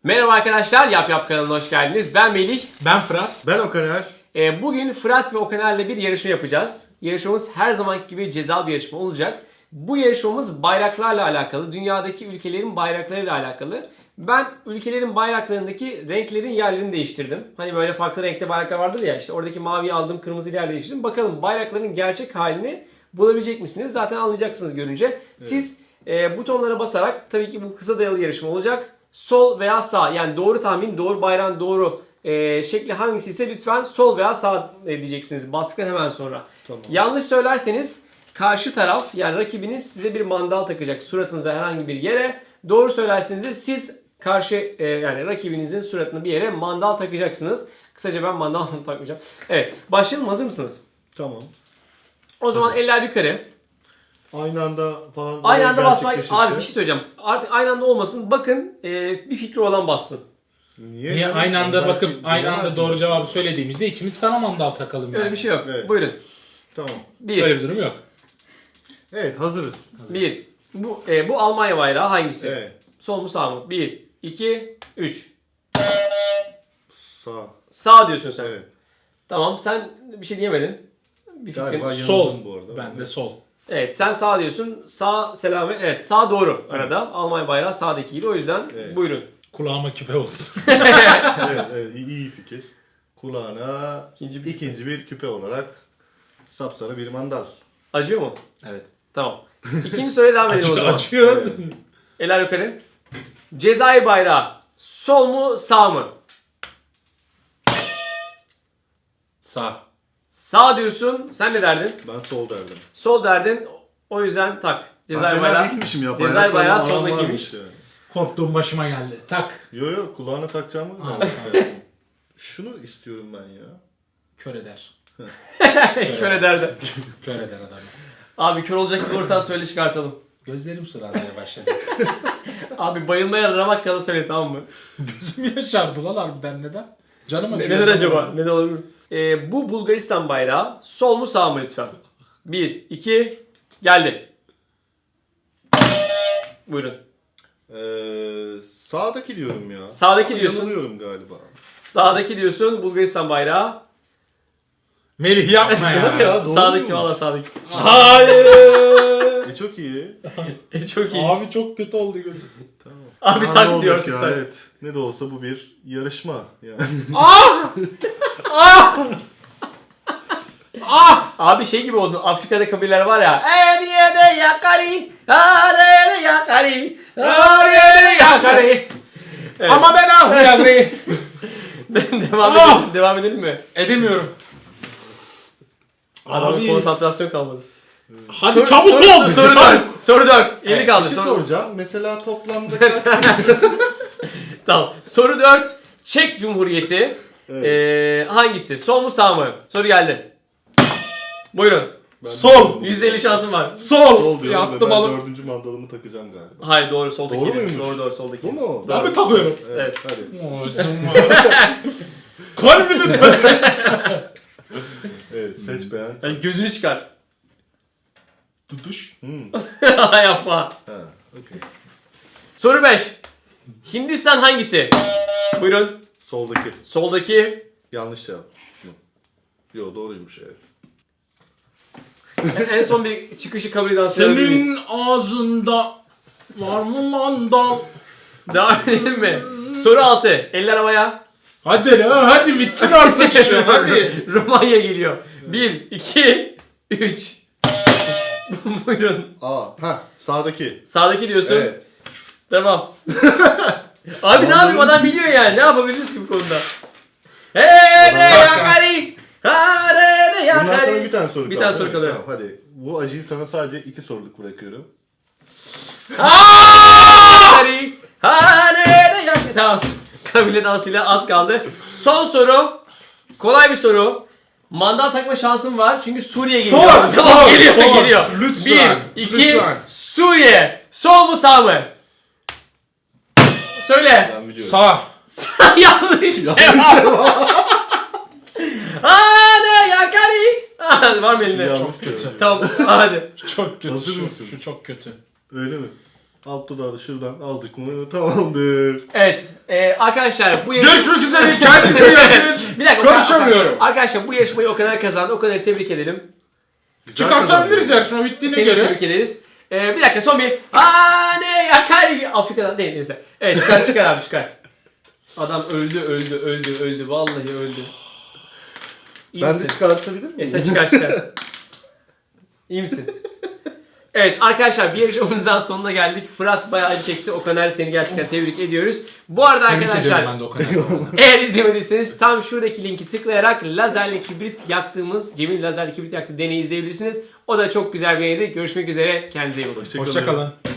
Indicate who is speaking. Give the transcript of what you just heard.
Speaker 1: Merhaba arkadaşlar, Yap Yap kanalına hoş geldiniz. Ben Melih.
Speaker 2: Ben Fırat.
Speaker 3: Ben Okaner.
Speaker 1: Bugün Fırat ve Okaner'le bir yarışma yapacağız. Yarışmamız her zamanki gibi cezalı bir yarışma olacak. Bu yarışmamız bayraklarla alakalı, dünyadaki ülkelerin bayraklarıyla alakalı. Ben ülkelerin bayraklarındaki renklerin yerlerini değiştirdim. Hani böyle farklı renkte bayraklar vardır ya, işte oradaki maviyi aldım, kırmızı yer değiştirdim. Bakalım bayrakların gerçek halini bulabilecek misiniz? Zaten anlayacaksınız görünce. Evet. Siz butonlara basarak, tabii ki bu kısa dayalı yarışma olacak. Sol veya sağ, yani doğru tahmin, doğru bayrağın doğru şekli hangisi ise lütfen sol veya sağ diyeceksiniz bastıktan hemen sonra. Tamam. Yanlış söylerseniz karşı taraf, yani rakibiniz size bir mandal takacak suratınızda herhangi bir yere. Doğru söylerseniz de siz karşı yani rakibinizin suratına bir yere mandal takacaksınız. Kısaca ben mandal takmayacağım. Evet, başlayalım. Hazır mısınız?
Speaker 3: Tamam.
Speaker 1: O zaman eller yukarı.
Speaker 3: Aynı anda falan.
Speaker 1: Aynı anda basmak. Abi bir şey söyleyeceğim. Artık aynı anda olmasın. Bakın bir fikri olan bassın.
Speaker 2: Niye aynı anda bakıp aynı anda doğru cevabı söylediğimizde ikimiz sana mandal takalım yani.
Speaker 1: Öyle bir şey yok.
Speaker 3: Evet.
Speaker 1: Buyurun.
Speaker 3: Tamam.
Speaker 2: Öyle bir durum yok.
Speaker 3: Evet, hazırız.
Speaker 1: Bir. Bu Almanya bayrağı hangisi?
Speaker 3: Evet.
Speaker 1: Sol mu sağ mı? 1, 2, 3.
Speaker 3: Sağ.
Speaker 1: Sağ diyorsun sen.
Speaker 3: Evet.
Speaker 1: Tamam, sen bir şey diyemedin. Bir
Speaker 3: Galiba
Speaker 1: fikrin.
Speaker 2: Sol.
Speaker 3: yanıldım bu arada.
Speaker 2: Ben de sol.
Speaker 1: Evet, sen sağ diyorsun. Sağ selamet. Evet, sağ doğru arada. Almanya bayrağı sağdakiydi. O yüzden
Speaker 3: Evet.
Speaker 1: buyurun.
Speaker 2: Kulağıma küpe olsun.
Speaker 3: Evet, iyi fikir. Kulağına ikinci bir küpe olarak sapsarı bir mandal.
Speaker 1: Acıyor mu?
Speaker 2: Evet.
Speaker 1: Tamam. İkinci soruya devam edelim o zaman.
Speaker 2: Açıyor.
Speaker 3: Evet.
Speaker 1: Eller yukarı. Cezayir bayrağı. Sol mu sağ mı?
Speaker 2: Sağ.
Speaker 1: Sağ diyorsun. Sen ne derdin?
Speaker 3: Ben sol derdim.
Speaker 1: Sol derdin. O yüzden tak. Cezayir bayrağı.
Speaker 3: değilmişim ya.
Speaker 1: Cezayir
Speaker 3: Bayraklarla
Speaker 1: bayrağı
Speaker 3: aram
Speaker 1: soldakiymiş.
Speaker 3: varmış yani.
Speaker 2: Korktuğum başıma geldi. Tak.
Speaker 3: Yo kulağına takacağımı
Speaker 2: Ha,
Speaker 3: Şunu istiyorum ben ya.
Speaker 2: Kör eder.
Speaker 1: Kör ederdi.
Speaker 2: Kör eder adamı.
Speaker 1: Abi kör olacak gibi olursan söyle çıkartalım.
Speaker 2: Gözlerim sıralamaya başladı.
Speaker 1: Abi bayılmaya ramak kala söyle, tamam mı?
Speaker 2: Gözüm yaşardı lan harbiden, neden? Canım acıyor.
Speaker 1: Neden acaba? Neden olabilir? Bu Bulgaristan bayrağı. Sol mu sağ mı lütfen? 1, 2, geldi. Buyurun.
Speaker 3: Sağdaki diyorum ya.
Speaker 1: Sağdaki
Speaker 3: Ama
Speaker 1: diyorsun.
Speaker 3: yanılıyorum galiba.
Speaker 1: Sağdaki diyorsun Bulgaristan bayrağı.
Speaker 2: Melih yapma ya.
Speaker 3: Ya, doğru
Speaker 1: Sağdaki,
Speaker 3: muymuş?
Speaker 1: valla sağdaki.
Speaker 2: Hayır.
Speaker 3: Çok iyi.
Speaker 1: Çok iyi.
Speaker 2: Abi çok kötü oldu gözüm.
Speaker 3: Tamam.
Speaker 1: Abi
Speaker 3: Aa,
Speaker 1: tak
Speaker 3: ne
Speaker 1: diyor.
Speaker 3: olacak ya,
Speaker 1: tak.
Speaker 3: evet. Ne de olsa bu bir yarışma yani.
Speaker 2: Ah! Ah! Ah!
Speaker 1: Abi şey gibi oldu. Afrika'da kabileler var ya. Eriyede yakari, arede yakari, arede yakari. Evet.
Speaker 2: Ama ben ahlayayım.
Speaker 1: Devam edelim mi?
Speaker 2: Edemiyorum.
Speaker 1: Adamın
Speaker 2: Abi.
Speaker 1: konsantrasyon kalmadı.
Speaker 2: Hadi çabuk ol.
Speaker 1: Soru 4. Soru 4. 50
Speaker 2: Evet,
Speaker 1: kaldı.
Speaker 3: Bir şey
Speaker 1: Soru-
Speaker 3: soracağım. Mesela toplamda kaç...
Speaker 1: Tamam. Soru 4. Çek Cumhuriyeti.
Speaker 3: Evet.
Speaker 1: Hangisi? Sol mu sağ mı? Soru geldi. Buyurun.
Speaker 3: Ben
Speaker 2: Sol.
Speaker 1: %50 şansım var.
Speaker 2: Sol.
Speaker 3: Sol diyorum ve
Speaker 2: Yattım
Speaker 3: ben
Speaker 2: alın.
Speaker 3: dördüncü mandalımı takacağım galiba.
Speaker 1: Hayır, doğru, soldaki.
Speaker 3: Doğru muymuş?
Speaker 1: Doğru soldaki.
Speaker 3: Bu mu?
Speaker 1: Doğru.
Speaker 2: Abi takıyorum.
Speaker 1: Evet.
Speaker 3: Hadi.
Speaker 2: Kalbini
Speaker 3: Evet, seç beğen.
Speaker 1: Yani gözünü çıkar.
Speaker 2: tutuş.
Speaker 1: Yapma.
Speaker 3: Ha, okey.
Speaker 1: Soru 5. Hindistan hangisi? Buyurun.
Speaker 3: Soldaki.
Speaker 1: Soldaki.
Speaker 3: Yanlış cevap. Yo, doğruymuş evet.
Speaker 1: En son bir çıkışı kabul eden sayabilir miyiz?
Speaker 2: Senin ağzında var mı mandal?
Speaker 1: Devam edelim mi? Soru 6. Eller havaya.
Speaker 2: Hadi la, hadi bitsin artık şu, hadi.
Speaker 1: Romanya geliyor. 1, 2, 3. Buyurun.
Speaker 3: Sağdaki.
Speaker 1: Sağdaki diyorsun.
Speaker 3: Evet.
Speaker 1: Tamam. Abi ne yapayım, adam biliyor yani. Ne yapabiliriz ki bu konuda? Hey de yakari. Hare de
Speaker 3: Bundan sonra
Speaker 1: yakari.
Speaker 3: bir tane soru
Speaker 1: Bir
Speaker 3: kaldı.
Speaker 1: tane soru
Speaker 3: değil mi?
Speaker 1: kalıyor.
Speaker 3: Tamam, hadi. Bu acıyı sana sadece 2 soruluk bırakıyorum.
Speaker 1: Yakari. Hare de yakari. Tamam. Kabile dansıyla az kaldı. Son soru. Kolay bir soru. Mandal takma şansım var çünkü Suriye geliyor.
Speaker 2: Sor,
Speaker 1: Tamam,
Speaker 2: sor,
Speaker 1: geliyor,
Speaker 2: sor.
Speaker 1: geliyor.
Speaker 2: Lütfen,
Speaker 1: 1, 2,
Speaker 2: lütfen.
Speaker 1: Suriye. Sol mu sağ mı? Söyle.
Speaker 3: Ben biliyorum.
Speaker 2: Sağ.
Speaker 1: Yanlış cevap. Hadi yakari. Var mı elinde?
Speaker 3: Yanlış
Speaker 2: Çok kötü.
Speaker 3: cevap.
Speaker 1: Tamam hadi.
Speaker 2: Çok kötü.
Speaker 3: Hazır
Speaker 2: şu,
Speaker 3: mısın?
Speaker 2: Şu çok kötü.
Speaker 3: Öyle mi? Alt dudağı da şuradan aldık mı tamamdır.
Speaker 1: Evet. Arkadaşlar bu yarışma...
Speaker 2: Görüşmek üzere. Kendinize iyi bakın.
Speaker 1: Bir dakika.
Speaker 2: Konuşamıyorum.
Speaker 1: Arkadaşlar bu yarışmayı o kadar kazandı. O kadar tebrik edelim.
Speaker 3: Güzel
Speaker 2: Çıkartabiliriz
Speaker 3: kazandın.
Speaker 2: yarışma bittiğine
Speaker 1: Seni
Speaker 2: göre.
Speaker 1: tebrik ederiz. Bir dakika son bir... ne yakar gibi... Afrika'dan değil neyse. Evet çıkar abi çıkar. Adam öldü. Vallahi öldü. İyi
Speaker 3: Ben
Speaker 1: misin?
Speaker 3: de çıkartabilir miyim?
Speaker 1: Sen çıkar. İyi misin? Evet arkadaşlar bir yarışmamızdan sonuna geldik. Fırat bayağı acı çekti. Okan seni gerçekten tebrik ediyoruz. Bu arada
Speaker 2: Tebrik ediyorum
Speaker 1: arkadaşlar
Speaker 2: ben de o kadar.
Speaker 1: eğer izlemediyseniz tam şuradaki linki tıklayarak lazerli kibrit yaktığımız, Cem'in lazerli kibrit yaktığı deneyi izleyebilirsiniz. O da çok güzel bir deneydi. Görüşmek üzere. Kendinize iyi bakın.
Speaker 3: Hoşçakalın.
Speaker 2: Hoşçakalın.